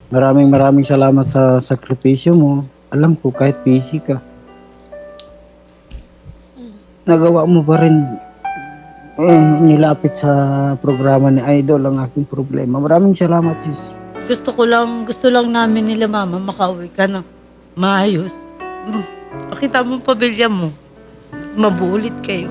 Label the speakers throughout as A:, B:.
A: Maraming salamat sa sakripisyo mo. Alam ko kahit busy ka, nagawa mo pa rin nilapit sa programa ni Idol ang aking problema. Maraming salamat, sis.
B: Gusto lang namin nila mama makauwi ka na maayos. Makita mo pamilya mo. Mabulit kayo.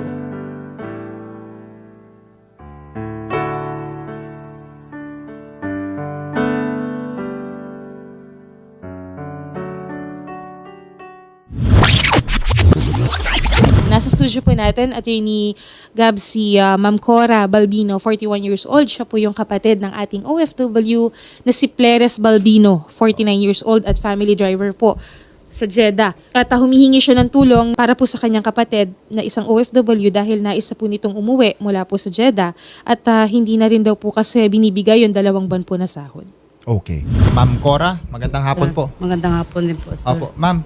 C: Nasa studio po natin, Attorney Gab, si Ma'am Cora Balbino, 41 years old. Siya po yung kapatid ng ating OFW na si Pleres Balbino, 49 years old at family driver po sa Jeddah. At humihingi siya ng tulong para po sa kanyang kapatid na isang OFW dahil naisa po nitong umuwi mula po sa Jeddah at hindi na rin daw po kasi binibigay yung 2 buwan po na sahod.
D: Okay. Ma'am Cora, magandang hapon po.
B: Magandang hapon din po, sir.
D: Opo, ma'am.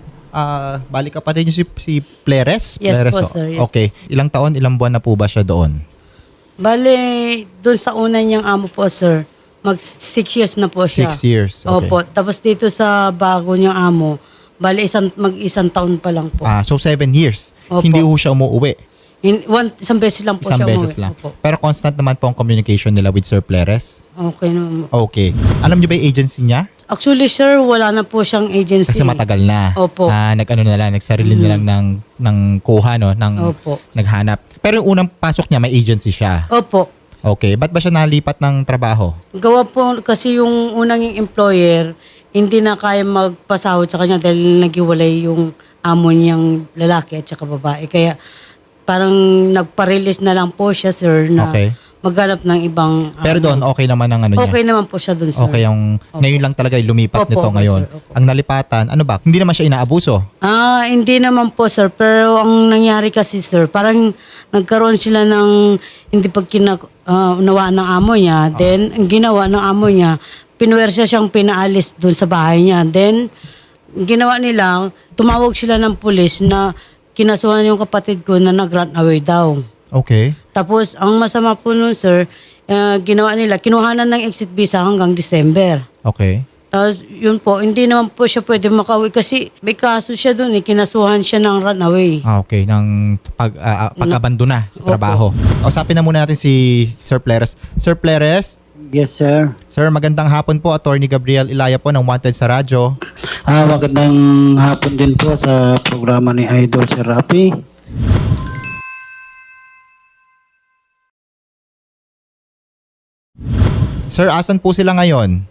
D: Balik kapatid niyo si Pleres?
B: Yes
D: Pleres,
B: po, sir. Yes.
D: Okay. Ilang taon, ilang buwan na po ba siya doon?
B: Bale, doon sa una niyang amo po, sir, mag 6 years na po siya.
D: 6 years. Okay.
B: Opo. Tapos dito sa bago niyang amo, bale, mag-isang taon pa lang po.
D: So 7 years.
B: Opo.
D: Hindi ho siya umuwi.
B: Isang beses lang po
D: Isang
B: siya
D: beses
B: umuwi.
D: lang.
B: Opo.
D: Pero constant naman po ang communication nila with Sir Pleres?
B: Okay naman.
D: Okay. Alam niyo ba yung agency niya?
B: Actually, sir, wala na po siyang agency.
D: Kasi matagal na.
B: Opo.
D: Nagsarili na lang ng kuha, no?
B: Opo.
D: Naghanap. Pero yung unang pasok niya, may agency siya.
B: Opo.
D: Okay. Ba't ba siya nalipat ng trabaho?
B: Gawa po kasi yung unang yung employer, hindi na kaya magpasahod sa kanya dahil naghiwalay yung amo niyang lalaki at saka babae. Kaya parang nagpa-release na lang po siya, sir, na
D: Okay.
B: maghanap ng ibang...
D: Pero doon, okay naman ang ano niya?
B: Okay naman po siya doon, sir.
D: Okay, yung ngayon lang talaga lumipat
B: Opo,
D: nito
B: opo,
D: ngayon.
B: sir, opo.
D: Ang nalipatan, ano ba? Hindi naman siya inaabuso.
B: Hindi naman po, sir. Pero ang nangyari kasi, sir, parang nagkaroon sila ng hindi unawaan ng amo niya. Then, ang ginawa ng amo niya, pinuwersa siyang pinaalis doon sa bahay niya. Then, ang ginawa nila, tumawag sila ng pulis na kinasuhan yung kapatid ko na nag-run away daw.
D: Okay.
B: Tapos, ang masama po nun, sir, ginawa nila, kinuhanan ng exit visa hanggang December.
D: Okay.
B: Tapos, yun po, hindi naman po siya pwede makauwi kasi may kaso siya dun, kinasuhan siya ng runaway.
D: Okay, ng pag-abandona sa trabaho. Usapin na muna natin si Sir Pleres. Sir Pleres,
A: Yes, sir.
D: sir, magandang hapon po. Attorney Gabriel Ilaya po ng Wanted sa radyo.
A: Magandang hapon din po sa programa ni Idol Sir Rafi.
D: Sir, asan po sila ngayon?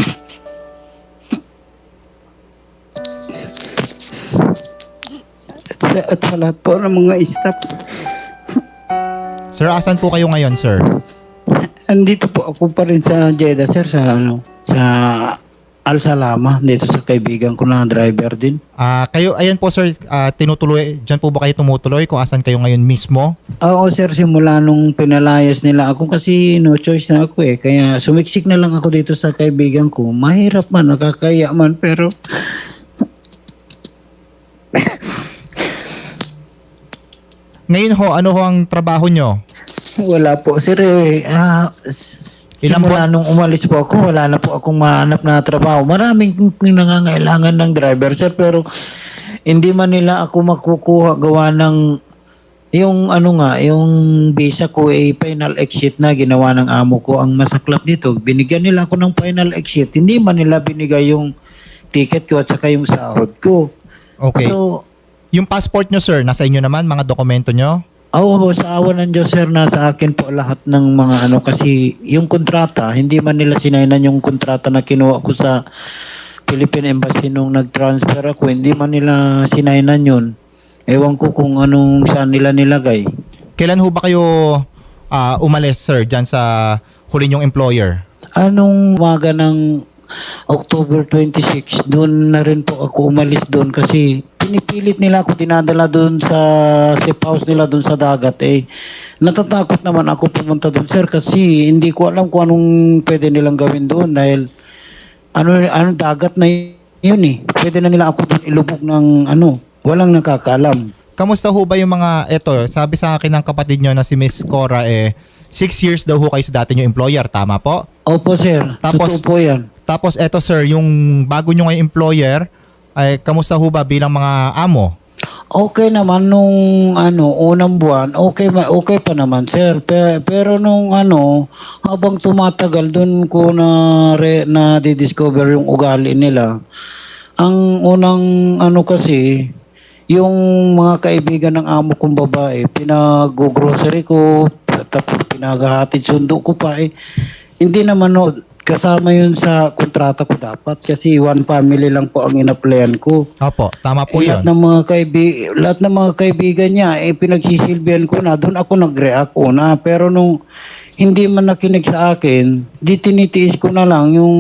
A: At sa lahat po ng mga staff.
D: Sir, asan po kayo ngayon, sir?
A: Andito po ako pa rin sa Jeddah, sir, sa Al Salama, dito sa kaibigan ko na driver din.
D: Kayo, ayan po sir, tinutuloy, dyan po ba kayo tumutuloy kung asan kayo ngayon mismo?
A: Oo, sir, simula nung pinalayas nila ako kasi no choice na ako kaya sumiksik na lang ako dito sa kaibigan ko. Mahirap man, nakakaya man, pero
D: Ngayon ho, ano ho ang trabaho nyo?
A: wala po, sir.
D: Ilang
A: Simula nung umalis po ako, wala na po akong mahanap na trabaho. Maraming nangangailangan ng driver, sir, pero hindi man nila ako makukuha gawa ng yung yung visa ko final exit na ginawa ng amo ko. Ang masaklap nito, binigyan nila ako ng final exit. Hindi man nila binigay yung ticket ko at saka yung sahod ko.
D: Okay.
A: So,
D: Yung passport nyo sir, nasa inyo naman, mga dokumento nyo?
A: sa awa ng Diyos, sir, nasa akin po lahat ng mga kasi yung kontrata, hindi man nila sinainan yung kontrata na kinuha ko sa Philippine Embassy nung nag-transfer ako, hindi man nila sinainan yun. Ewan ko kung anong saan nila nilagay.
D: Kailan ho ba kayo umalis sir, dyan sa huli nyong employer?
A: Anong umaga ng October 26, doon na rin po ako umalis doon kasi pinipilit nila ako, dinadala doon sa safe house nila doon sa dagat. Natatakot naman ako pumunta doon, sir, kasi hindi ko alam kung anong pwede nilang gawin doon dahil dagat na yun Pwede na nila ako doon ilubog ng walang nakakaalam.
D: Kamusta ho ba yung mga, sabi sa akin ng kapatid nyo na si Miss Cora 6 years daw ho kayo sa dati nyo employer, tama po?
A: Opo, sir.
D: Tapos,
A: Totoo po yan.
D: Tapos eto sir, yung bago nyo ngayong employer, ay kamusta ho ba bilang mga amo?
A: Okay naman nung unang buwan, okay pa naman sir. Pero nung habang tumatagal doon ko na discover yung ugali nila. Ang unang kasi yung mga kaibigan ng amo kong babae, pinag-grocery ko, tapos pinaghahatid sundo ko pa Hindi naman kasama yun sa kontrata ko dapat kasi one family lang po ang in-applyan ko.
D: Opo, tama po
A: Lahat
D: yun.
A: ng mga kaibigan niya pinagsisilbihan ko na, doon ako nag-react una. Pero nung hindi man nakinig sa akin, di tinitiis ko na lang yung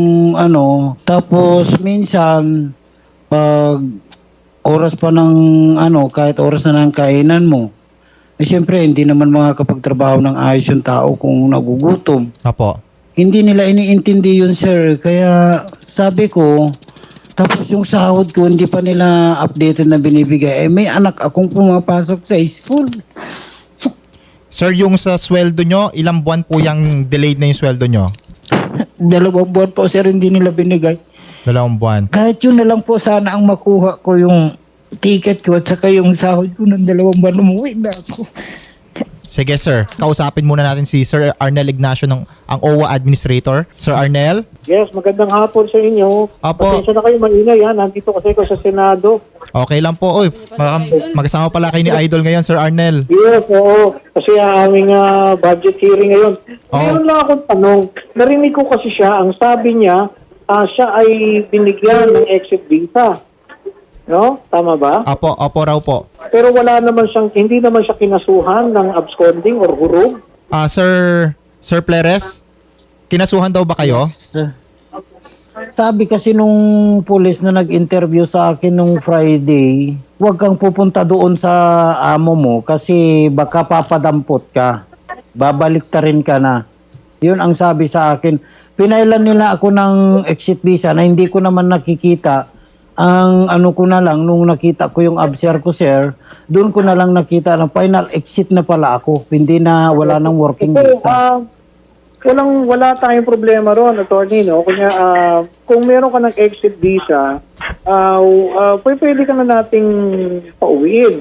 A: tapos minsan pag oras pa ng kahit oras na ng kainan mo, siyempre hindi naman makakapagtrabaho ng ayos yung tao kung nagugutom.
D: Opo.
A: Hindi nila iniintindi yun, sir. Kaya sabi ko, tapos yung sahod ko, hindi pa nila updated na binibigay. May anak akong pumapasok sa school.
D: Sir, yung sa sweldo nyo, ilang buwan po yung delayed na yung sweldo nyo?
A: 2 buwan po, sir, hindi nila binigay.
D: 2 buwan.
A: Kahit yun na lang po sana ang makuha ko yung ticket ko at saka yung sahod ko ng 2 buwan, umuwi na ako.
D: Sige sir, kausapin muna natin si Sir Arnel Ignacio ang OWA Administrator. Sir Arnel?
E: Yes, magandang hapon sa inyo.
D: Apo.
E: Pasensya na kayo, maingay ha. Nandito kasi ako sa Senado.
D: Okay lang po. Uy, magkasama pala kayo ni Idol ngayon, Sir Arnel.
E: Yes, oo. Kasi aming budget hearing ngayon.
D: Oo.
E: Meron lang akong tanong. Narinig ko kasi siya, ang sabi niya, siya ay binigyan ng exit visa. No? Tama ba?
D: Opo raw po.
E: Pero hindi naman siya kinasuhan ng absconding or hurog.
D: Sir Pleres, kinasuhan daw ba kayo?
A: Sabi kasi nung pulis na nag-interview sa akin nung Friday, huwag kang pupunta doon sa amo mo kasi baka papadampot ka. Babalik ta rin ka na. Yun ang sabi sa akin. Pinailan nila ako ng exit visa na hindi ko naman nakikita. Ang ko na lang, nung nakita ko yung abser ko, sir, doon ko na lang nakita na final exit na pala ako. Hindi na, wala nang working visa.
E: Wala tayong problema ron, attorney, no? Kung meron ka ng exit visa, pwede ka na nating pauwiin.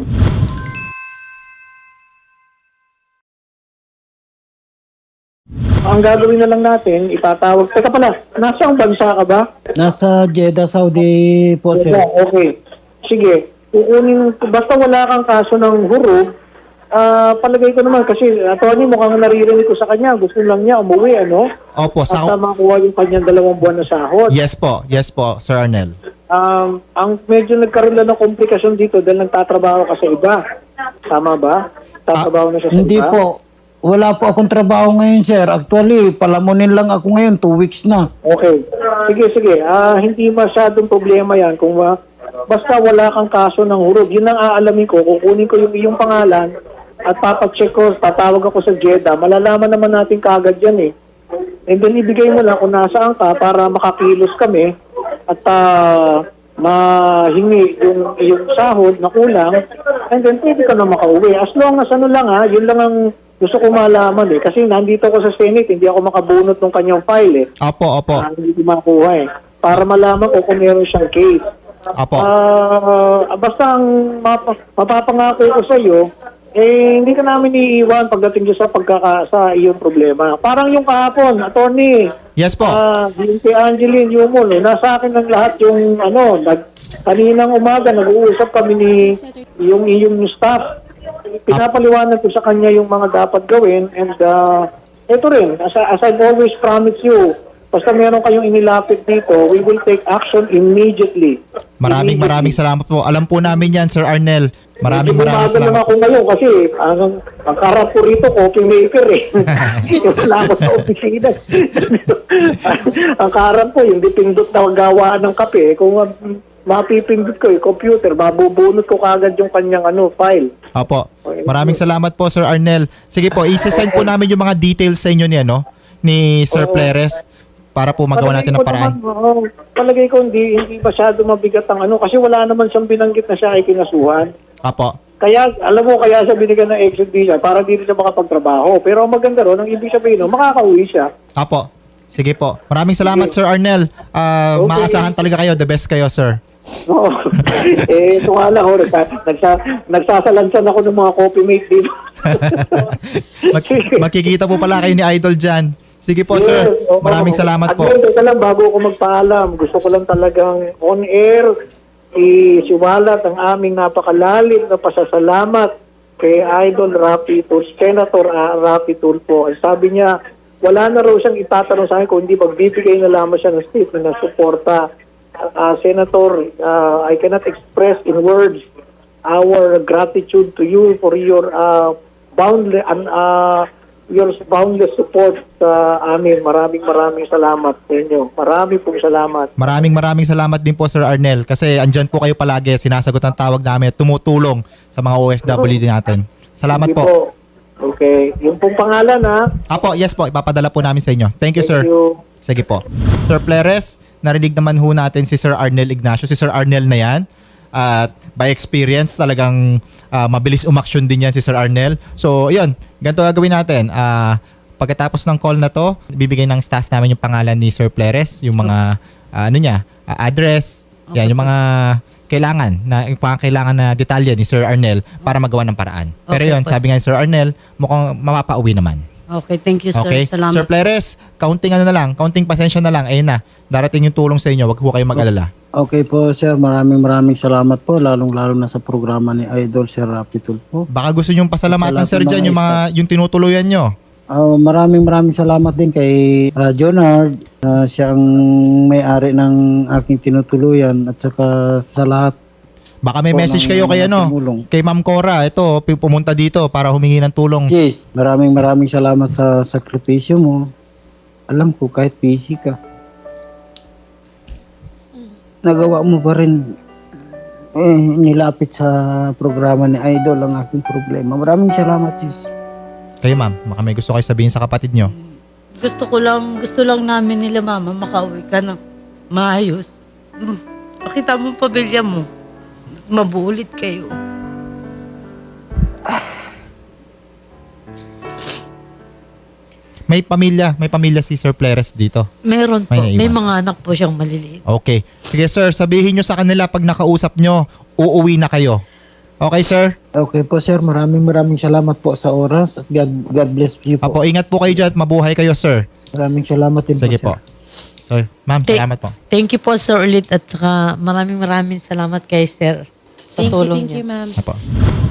E: Ang gagawin na lang natin, itatawag. Teka pala, nasa ang bansa ka ba?
A: Nasa Jeddah, Saudi po, sir.
E: Okay. Sige. Basta wala kang kaso ng hurog, palagay ko naman kasi attorney mukhang naririnig ko sa kanya. Gusto lang niya umuwi, ano?
D: Opo.
E: Basta makuha yung kanyang 2 buwan na sahod.
D: Yes po, Sir Arnel.
E: Ang medyo nagkaroon lang ng komplikasyon dito dahil nagtatrabaho ka sa iba. Tama ba? Tatrabaho na siya sa
A: Hindi
E: iba?
A: po. Wala po akong trabaho ngayon, sir. Actually, palamunin lang ako ngayon. 2 weeks na.
E: Okay. Sige. Hindi masyadong problema yan kung basta wala kang kaso ng hurog. Yun ang aalamin ko. Kukunin ko yung iyong pangalan at papacheck ko, tatawag ako sa Jeddah. Malalaman naman natin kaagad yan eh. And then ibigay mo lang kung nasaan ka para makakilos kami at mahingi yung sahod na kulang and then pwede ka na makauwi. As long as yun lang ang gusto ko malaman eh. Kasi nandito ako sa Senate, hindi ako makabunot ng kanyang file eh.
D: Opo.
E: Hindi ko makuha eh. Para malaman ko kung meron siyang case.
D: Opo.
E: Basta ang mapapangako ko sa iyo, hindi ka namin iiwan pagdating sa sa iyong problema. Parang yung kahapon, attorney.
D: Yes po.
E: Yung kay Angeline Yumon, nasa akin ng lahat yung kaninang umaga, nag-uusap kami ni yung staff. Pinapaliwanag ko sa kanya yung mga dapat gawin and ito rin, as I've always promised you, basta meron kayong inilapit dito, we will take action immediately.
D: Maraming salamat po. Alam po namin yan, Sir Arnel. Maraming salamat.
E: Ako ngayon kasi ang karap ko rito, coffee maker eh. Wala ako sa opisina. Ang karap ko, yung dipindot na gawaan ng kape, kung mapipindot ko yung computer, mabubunot ko kagad yung kanyang file.
D: Opo. Maraming salamat po, Sir Arnel. Sige po, isesend po namin yung mga details sa inyo ni Sir Pleres para po magawa natin ng paraan.
E: Palagay ko hindi masyado mabigat ang kasi wala naman siyang binanggit na siya ay kinasuhan.
D: Opo.
E: Kaya, kaya siya binigyan ng exit visa para dito siya makapagtrabaho. Pero ang maganda ron, ang ibig sabihin, makakauwi siya.
D: Opo. Sige po. Maraming salamat, Sir Arnel. Maasahan talaga kayo. The best kayo, sir.
E: Oo. Ito nga lang, nagsasalansan ako ng mga coffee mate dito.
D: Makikita po pala kayo ni Idol dyan. Sige po, sir.
E: Yes, oo.
D: Maraming salamat po.
E: At yun, teka lang, bago ako magpaalam, gusto ko lang talagang on air isiwalat ang aming napakalalim na pasasalamat kay Idol Rapi Tulfo, Senator Rapi Tulfo. Sabi niya, wala na raw siyang itatanong sa akin kung hindi magbibigay na lamang siya ng statement na suporta. Senator, I cannot express in words our gratitude to you for your boundless support sa amin. Maraming salamat sa inyo. Maraming pong salamat.
D: Maraming salamat din po, Sir Arnel. Kasi andyan po kayo palagi. Sinasagot ang tawag namin at tumutulong sa mga OFW din natin. Salamat
E: Sige
D: po.
E: Okay. Yung pong pangalan, ha?
D: Apo, yes po. Ipapadala po namin sa inyo. Thank you, sir.
E: Thank you.
D: Sige po. Sir Pleres, narinig naman ho natin si Sir Arnel Ignacio. Si Sir Arnel na yan. At by experience, talagang mabilis umaksyon din yan si Sir Arnel. So, yun. Ganito gagawin natin. Pagkatapos ng call na to, bibigay ng staff namin yung pangalan ni Sir Pleres, yung mga address, yan, yung mga kailangan na detalye ni Sir Arnel para magawa ng paraan. Pero
B: Okay
D: yun,
B: po,
D: sabi nga ni Sir Arnel, mukhang mapapauwi naman.
B: Okay, thank you, sir.
D: Okay?
B: Salamat.
D: Sir Pleres, counting pasensya na lang. Ayun na, darating yung tulong sa inyo. Wag po kayo mag-alala.
A: Okay po sir, maraming salamat po, lalong-lalo na sa programa ni Idol Sir Rapi Tulfo.
D: Baka gusto nyong pasalamatan,
A: Salamat
D: sir,
A: po,
D: dyan, yung tinutuluyan nyo.
A: Maraming salamat din kay Jonard, siya ang may-ari ng aking tinutuluyan, at saka sa lahat.
D: Baka may
A: Po,
D: message
A: ng
D: kayo kay,
A: mga tumulong.
D: kay Ma'am Cora. Ito, pumunta dito para humingi ng tulong.
A: Yes, maraming salamat sa sakripisyo mo. Alam ko kahit busy ka, nagawa mo pa rin nilapit sa programa ni Idol ang aking problema. Maraming salamat, sis.
D: Kayo, ma'am, baka may gusto kayo sabihin sa kapatid nyo.
B: Gusto lang namin nila, mama, makauwi ka na maayos. Makita mo pamilya mo. Mabulit kayo.
D: May pamilya si Sir Pleres dito.
B: Meron po.
D: May naiwan.
B: May mga anak po siyang maliliit.
D: Okay. Sige, sir, sabihin nyo sa kanila pag nakausap nyo, uuwi na kayo. Okay, sir?
A: Okay po, sir. Maraming salamat po sa oras at God bless you po.
D: Apo, ingat po kayo dyan at mabuhay kayo, sir.
A: Maraming salamat din
D: Sige
A: po,
D: po. Sir, ma'am, salamat po.
B: Thank you po, sir, ulit. At saka maraming salamat kay sir sa tulong
C: Thank
B: niya.
C: you, ma'am.
D: Apo.